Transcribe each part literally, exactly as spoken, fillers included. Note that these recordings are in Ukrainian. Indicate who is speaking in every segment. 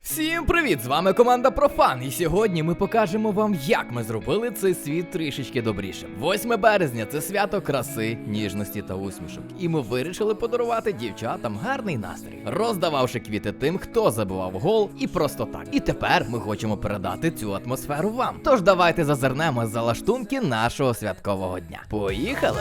Speaker 1: Всім привіт! З вами команда Профан, і сьогодні ми покажемо вам, як ми зробили цей світ трішечки добрішим. восьме березня – це свято краси, ніжності та усмішок. І ми вирішили подарувати дівчатам гарний настрій, роздававши квіти тим, хто забивав гол, і просто так. І тепер ми хочемо передати цю атмосферу вам. Тож давайте зазирнемо за лаштунки нашого святкового дня. Поїхали!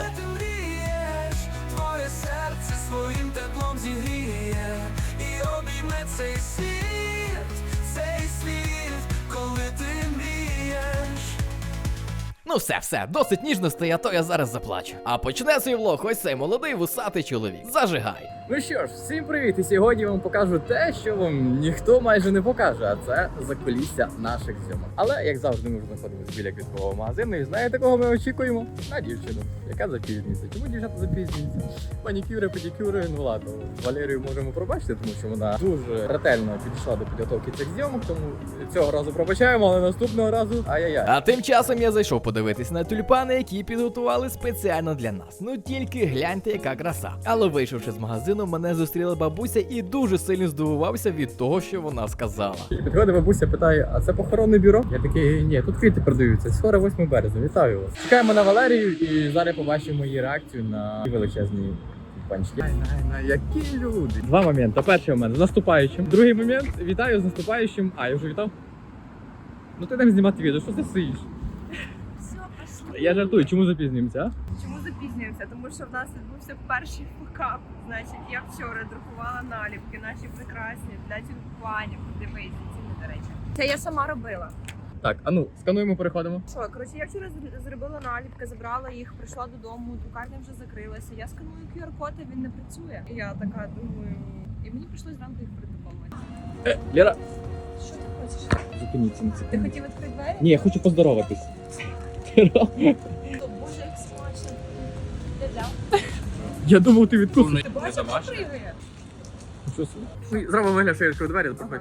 Speaker 2: Твоє серце своїм теплом зігріє і обійме цей світ, цей світ, коли ти мрієш.
Speaker 1: Ну все, все, досить ніжностей, а то я зараз заплачу. А почне свій влог ось цей молодий вусатий чоловік. Зажигай!
Speaker 3: Ну що ж, всім привіт! І сьогодні я вам покажу те, що вам ніхто майже не покаже, а це закулісся наших зйомок. Але, як завжди, ми знаходимося біля квіткового магазину, і знаєте, кого ми очікуємо? На дівчину, яка запізнюється. Чому дівчата запізнюються? Манікюри, педикюри, ну ладно, Валерію можемо пробачити, тому що вона дуже ретельно підійшла до підготовки цих зйомок, тому цього разу пробачаємо, але наступного разу ай-яй-яй.
Speaker 1: А тим часом я зайшов подивитись на тюльпани, які підготували спеціально для нас. Ну тільки гляньте, яка краса. Але вийшовши з магазину, мене зустріла бабуся і дуже сильно здивувався від того, що вона сказала.
Speaker 3: Підходить бабуся, питає, а це похоронне бюро? Я такий, ні, тут квіти продаються, скоро восьме березня, вітаю вас. Чекаємо на Валерію і зараз побачимо її реакцію на величезні панчки. Най, най, най, які люди. Два моменти. Перший момент з наступаючим. Другий момент, вітаю з наступаючим. А, я вже вітав? Ну ти там знімати відео, що ти сидиш?
Speaker 4: Все, пошли.
Speaker 3: Я жартую, чому запізнюємося, а?
Speaker 4: Чому запізнюємося? Тому що в нас відбувся перший факап. Значить, я вчора друкувала наліпки наші прекрасні для тюльпанів. Дивись, ціни, до речі. Це я сама робила.
Speaker 3: Так, а ну, скануємо, переходимо.
Speaker 4: Що, коротше, я вчора зр- зробила наліпки, забрала їх, прийшла додому, друкарня вже закрилася. Я сканую кю ар-код, а він не працює. І я така думаю, і мені прийшлось зранку їх протоколувати.
Speaker 3: Е, Лера,
Speaker 4: Що ти хочеш?
Speaker 3: зупиніться на
Speaker 4: Ти
Speaker 3: секунду.
Speaker 4: хотів відкрити двері?
Speaker 3: Ні, я хочу поздороватись.
Speaker 4: О, Боже, як смачно. Я взяв.
Speaker 3: Я думав, ти відкусив.
Speaker 4: Ти бачиш, як пригає?
Speaker 3: Зробимо вигляд, що я відкрив двері, проходь.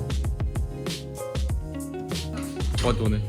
Speaker 3: От вони.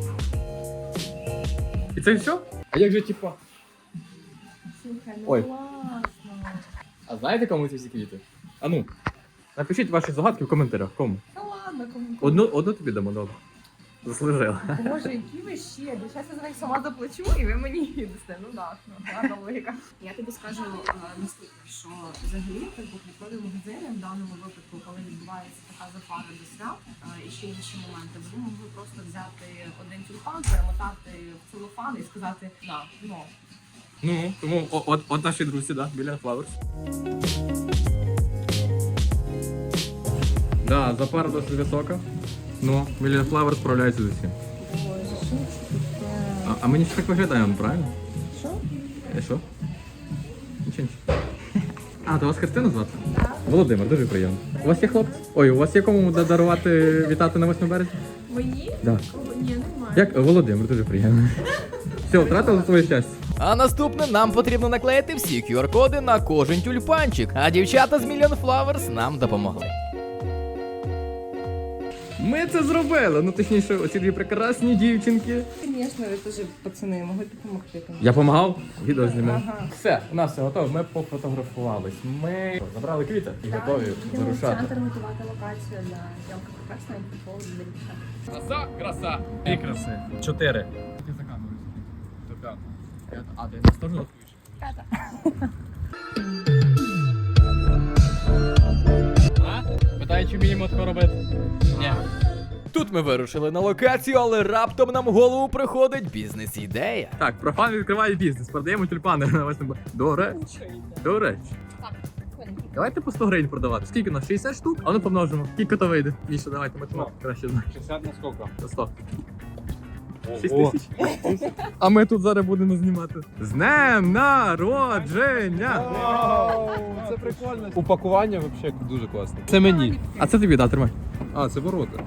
Speaker 3: І це все? А як же типа?
Speaker 4: Слухай, ну
Speaker 3: Ой.
Speaker 4: класно.
Speaker 3: А знаєте, кому ці всі квіти? А ну, напишіть ваші загадки в коментарях. Кому?
Speaker 4: Та ладно, кому.
Speaker 3: Одну, одну тобі дамо, добре. Заслужила.
Speaker 4: Боже, які ви ще? Зараз я за них сама заплачу, і ви мені їдете. Ну так, ну, гарна логіка. Я тобі скажу е, наступне, що взагалі так квіткові магазини в даному випадку, коли відбувається така запара до свят е, і ще інші моменти, ви могли просто взяти один тюльпан, перемотати в целофан і сказати на, ну.
Speaker 3: Ну, тому о- от, от наші друзі, да, біля Flowers. Да, запара досить висока. Ну, біля Flowers справляється з усім.
Speaker 4: Боже, що це таке?
Speaker 3: А, а ми ніщо так виглядаємо, правильно?
Speaker 4: Що?
Speaker 3: Е, що? Нічого, нічого. А, то вас Христина звати?
Speaker 4: Так.
Speaker 3: Володимир, дуже приємно. У вас є хлопці? Ой, у вас є кому да- дарувати вітати на восьме березня?
Speaker 4: Мені?
Speaker 3: Да.
Speaker 4: Кого? Ні, немає.
Speaker 3: Як Володимир, дуже приємно. Все, втратили своє щастя.
Speaker 1: А наступне нам потрібно наклеїти всі кю ар-коди на кожен тюльпанчик, а дівчата з Million Flowers нам допомогли.
Speaker 3: Ми це зробили. Ну, точніше, оці дві прекрасні дівчинки.
Speaker 4: Звісно, ви теж пацани могли допомогти.
Speaker 3: Я допомагав, відео знімав.
Speaker 4: Ага.
Speaker 3: Все, у нас все готово, ми пофотографувались. Ми забрали квіти і готові
Speaker 4: Йдемо в
Speaker 3: вирушати.
Speaker 4: центр готувати локацію для зйомки прекрасної футболу для дівчат.
Speaker 3: Краса, краса. Дві краси. Чотири. Ти за камерою сиди. То п'ята. А, ти на сторону
Speaker 4: П'ята.
Speaker 3: А? Питаю, чи вміємо тако робити? Ні.
Speaker 1: Тут ми вирушили на локацію, але раптом нам в голову приходить бізнес-ідея.
Speaker 3: Так, профан відкриває бізнес, продаємо тюльпани на восьме. До речі, до речі.
Speaker 4: Так,
Speaker 3: Давайте по сто гривень продавати. Скільки у нас? шістдесят штук? А ну помножимо. Скільки то вийде? Міша, давайте математику краще знаєш.
Speaker 5: шістдесят на сколько?
Speaker 3: На сто. шість тисяч. А ми тут зараз будемо знімати. З днем народження!
Speaker 5: Це прикольно. Упакування взагалі дуже класне. Це мені.
Speaker 3: А це тобі, да, тримай.
Speaker 5: А, це ворота.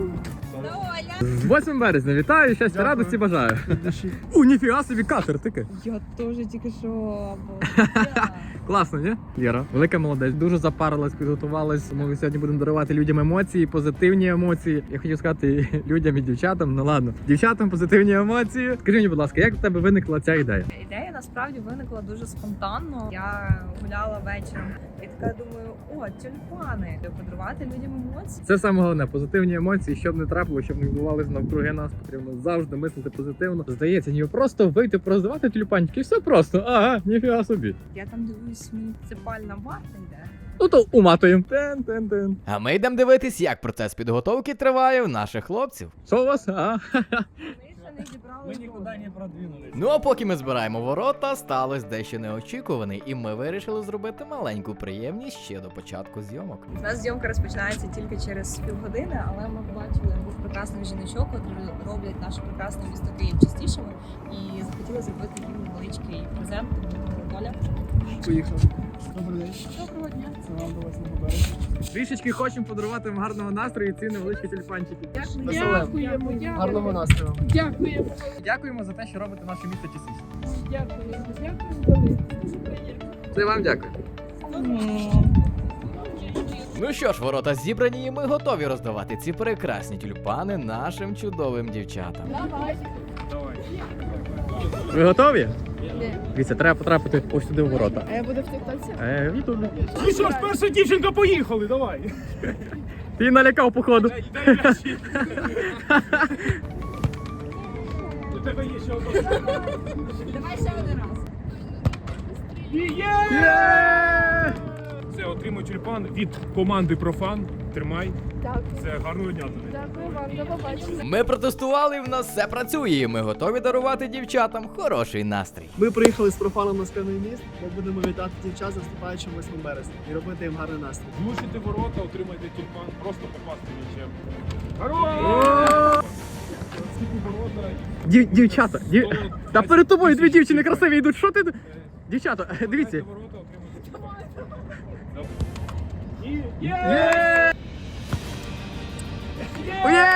Speaker 3: З восьмим березня вітаю, щастя, радості бажаю. У, ніфіга собі катер, таке.
Speaker 4: я теж тільки що.
Speaker 3: Класно, ні? Лєра, велика молодець, дуже запарилась, підготувалась. Ми сьогодні будемо дарувати людям емоції, позитивні емоції. Я хотів сказати людям і дівчатам, ну ладно. Дівчатам позитивні емоції. Скажи мені, будь ласка, як в тебе виникла ця ідея?
Speaker 4: Ідея насправді виникла дуже спонтанно. Я гуляла вечором і така думаю, о, тюльпани, подарувати людям емоції.
Speaker 3: Це саме головне, позитивні емоції, щоб не трапило, щоб не відбувалося навкруги нас, потрібно завжди мислити позитивно. Здається, ніби просто вийти пороздавати тюльпанчики, і все просто. Ага, ніфіга собі.
Speaker 4: Я там дивлюсь, муніципальна варта йде.
Speaker 3: Ну то уматуємо. Тен-тен-тен.
Speaker 1: А ми йдемо дивитись, як процес підготовки триває в наших хлопців.
Speaker 3: Що у вас? А?
Speaker 4: Ми ще не зібрали.
Speaker 6: Мы никуда не продвинулись.
Speaker 1: Ну а поки ми збираємо ворота, сталося дещо неочікуване, і ми вирішили зробити маленьку приємність ще до початку зйомок.
Speaker 4: У нас зйомка розпочинається тільки через півгодини, але ми побачили двох прекрасних жіночок, які роблять наше прекрасне місто Київ частішими, і захотіли зробити їм невеличкий презент. Тому Оля.
Speaker 6: Поїхали. Добрий день.
Speaker 4: Доброго дня.
Speaker 6: Це вам до восьмого березня.
Speaker 3: Трішечки хочемо подарувати вам гарного настрою і ці невеличкі тюльпанчики.
Speaker 4: Дякуємо,
Speaker 6: Гарного настрою.
Speaker 4: Дякуємо.
Speaker 3: Дякуємо за те, що робите наше місто частіше.
Speaker 4: Дякуємо. Дякуємо.
Speaker 3: Це вам дякую.
Speaker 1: Ну що ж, ворота зібрані, і ми готові роздавати ці прекрасні тюльпани нашим чудовим дівчатам.
Speaker 3: Ви готові? Дивіться, треба потрапити ось сюди в ворота.
Speaker 4: А я буду в тіктоці?
Speaker 3: Е, в Ютубі.
Speaker 6: Ну що ж, перша дівчинка, поїхали, давай.
Speaker 3: Ти налякав, походу.
Speaker 6: Дай м'ячі. У тебе є ще одна.
Speaker 4: Давай ще один раз.
Speaker 3: Є!
Speaker 6: Це отримуй тюльпан від команди Профан. Тримай.
Speaker 7: Дякую.
Speaker 6: Це гарного дня тобі.
Speaker 7: Дякую вам, до побачення.
Speaker 1: Ми протестували, і в нас все працює, і ми готові дарувати дівчатам хороший настрій.
Speaker 8: Ми приїхали з профаном на Скляний міст. Ми будемо вітати дівчат за вступаючим восьмим березня і робити їм гарний настрій.
Speaker 6: Влучите ворота, отримайте тюльпан, просто попасти м'ячем. Гарно! Скільки ворота.
Speaker 3: Дів- Дівчата, дів... та перед тобою дві дівчини красиві йдуть. Що ти? Дівчата, дивіться.
Speaker 6: Ворота, отримайте тюльпан. І є!
Speaker 3: Є! Є!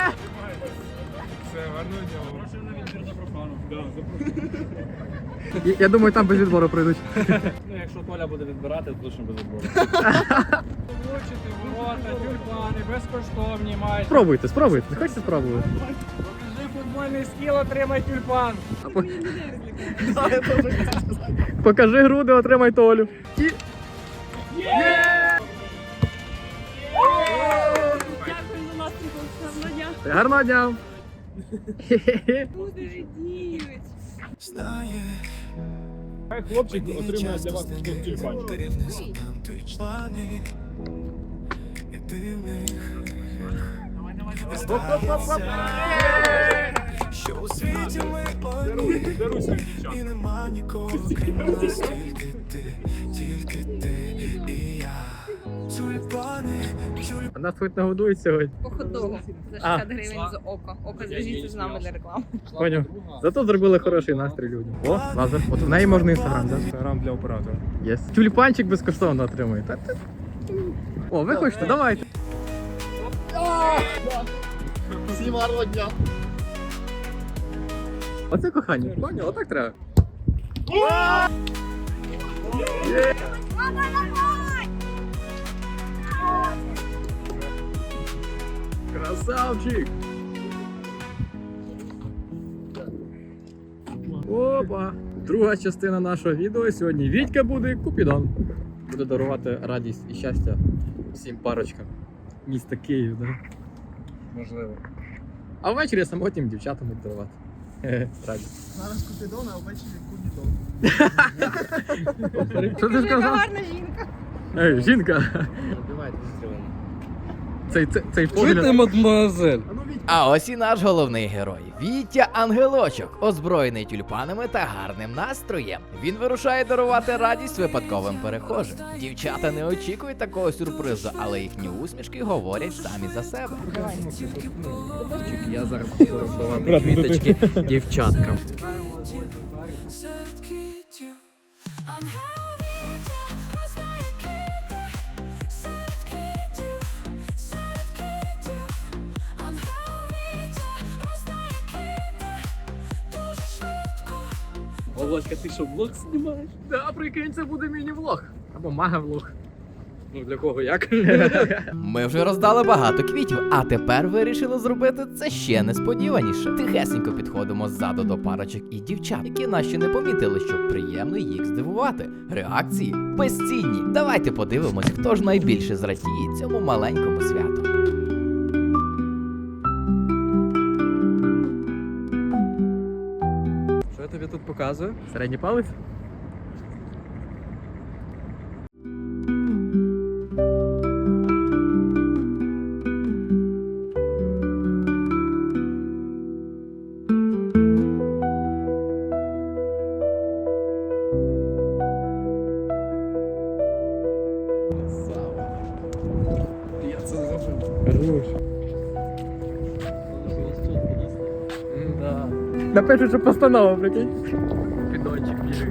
Speaker 6: Все, гарного дня. Запрошую на відбір за профану. Да, запрошую.
Speaker 3: Я- Я думаю, там без відбору прийдуть.
Speaker 5: Ну, якщо Толя буде відбирати, то точно без відбору. Влучити ворота, тюльпани, безкоштовні майже.
Speaker 3: Спробуйте, спробуйте. Не хочете спробувати?
Speaker 5: Покажи футбольний скіл, отримай тюльпан.
Speaker 3: Покажи груди, отримай Толю. І...
Speaker 7: Дякую за настрій, гарного дня.
Speaker 3: Гарного дня! Хе-хе-хе.
Speaker 7: Буде радіють.
Speaker 6: Хай хлопчик отримає для вас тюльпанчик.
Speaker 2: Що у світі ми
Speaker 6: Даруй, даруй своїм
Speaker 2: і
Speaker 6: дівчатам.
Speaker 2: нема нікого, крім нас, тільки ти, тільки ти і я. Тюльпани, тюльпани.
Speaker 3: А нас хоч нагодують сьогодні.
Speaker 4: По хот-догу за
Speaker 3: А.
Speaker 4: шістдесят гривень за око. Око зв'яжіться з нами для реклами.
Speaker 3: Поняв. Зато зробили хороший настрій людям. О, лазер. От в неї можна інстаграм, так?
Speaker 6: Інстаграм для оператора.
Speaker 3: Єс. Тюльпанчик безкоштовно отримує. Та ти- О, ви хочете? Давайте.
Speaker 8: Всім гарного дня!
Speaker 3: Оце кохання. Поняв, отак треба. Красавчик! Опа! Друга частина нашого відео. Сьогодні Вітька буде Купідон. Буде дарувати радість і щастя всім парочкам міста Київ, да?
Speaker 5: Можливо.
Speaker 3: А ввечері самотнім дівчатам буде дарувати. Хе-хе, радість.
Speaker 8: Зараз Купідон, а ввечері Кубітон.
Speaker 3: Що ти сказав?
Speaker 4: Гарна жінка.
Speaker 3: Ей, жінка!
Speaker 5: Давайте зустрілимо.
Speaker 3: Цей, цей, цей погляд.
Speaker 5: мадемуазель?
Speaker 8: А ну Віть,
Speaker 1: А ось і наш головний герой Вітя Ангелочок, озброєний тюльпанами та гарним настроєм. Він вирушає дарувати радість випадковим перехожим. Дівчата не очікують такого сюрпризу, але їхні усмішки говорять самі за себе.
Speaker 3: Я зараз буду роздавати квіточки дівчаткам.
Speaker 2: Серед квітів.
Speaker 8: Володька, ти що, влог знімаєш?
Speaker 3: Да, прикинь, це буде міні-влог. Або мага-влог.
Speaker 5: Ну для кого як?
Speaker 1: Ми вже роздали багато квітів, а тепер вирішили зробити це ще несподіваніше. Тихесенько підходимо ззаду до парочок і дівчат, які нас ще не помітили, щоб приємно їх здивувати. Реакції безцінні. Давайте подивимось, хто ж найбільше зрадіє цьому маленькому святу.
Speaker 3: Що я тобі тут показую? Середній палець?
Speaker 8: Я це зробив.
Speaker 3: Хорош. Да. Напишу, що постанова, прикинь. Підончик біжить.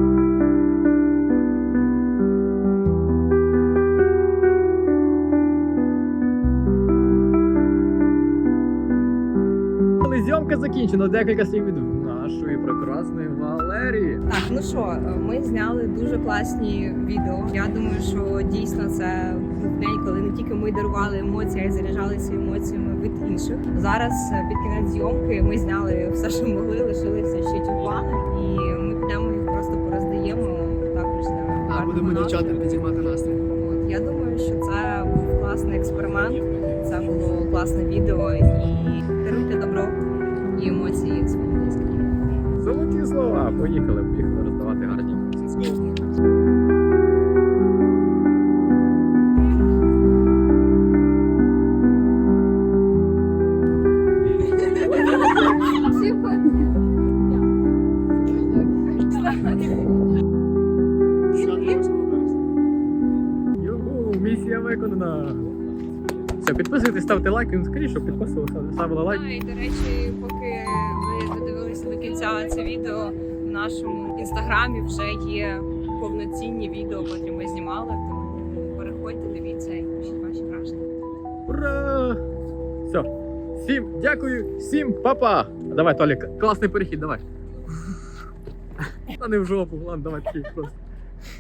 Speaker 3: Але зйомка закінчена, декілька слів від нашої прекрасної Валерії.
Speaker 4: Так, ну що, ми зняли дуже класні відео. Я думаю, що дійсно це був день, коли не тільки ми дарували емоції, а й заряджалися емоціями від інших. Зараз е, під кінець зйомки ми зняли все, що могли, лишилися ще тюльпани, і ми підемо їх просто пороздаємо також для
Speaker 8: А
Speaker 4: гарного
Speaker 8: будемо
Speaker 4: настрою.
Speaker 8: дівчатам підіймати настрій.
Speaker 4: От, я думаю, що це був класний експеримент, це було класне відео, і даруйте добро і емоції своїм близьким.
Speaker 3: Золоті слова. Поїхали, поїхали роздавати гарні емоції.
Speaker 8: Свято восьмого березня.
Speaker 3: Югу, місія виконана. Все, підписуйтесь, ставте лайки, ну скоріше, щоб підписувалися, ставили лайк.
Speaker 4: А, і до речі, поки ви додивилися до кінця це відео, в нашому інстаграмі вже є повноцінні відео, котрі ми знімали. Тому переходьте, дивіться і пишіть ваші враження.
Speaker 3: Ура! Все. Всім дякую, всім па-па! Давай, Толік, класний перехід, давай. Та не в жопу, ладно, давай такий просто.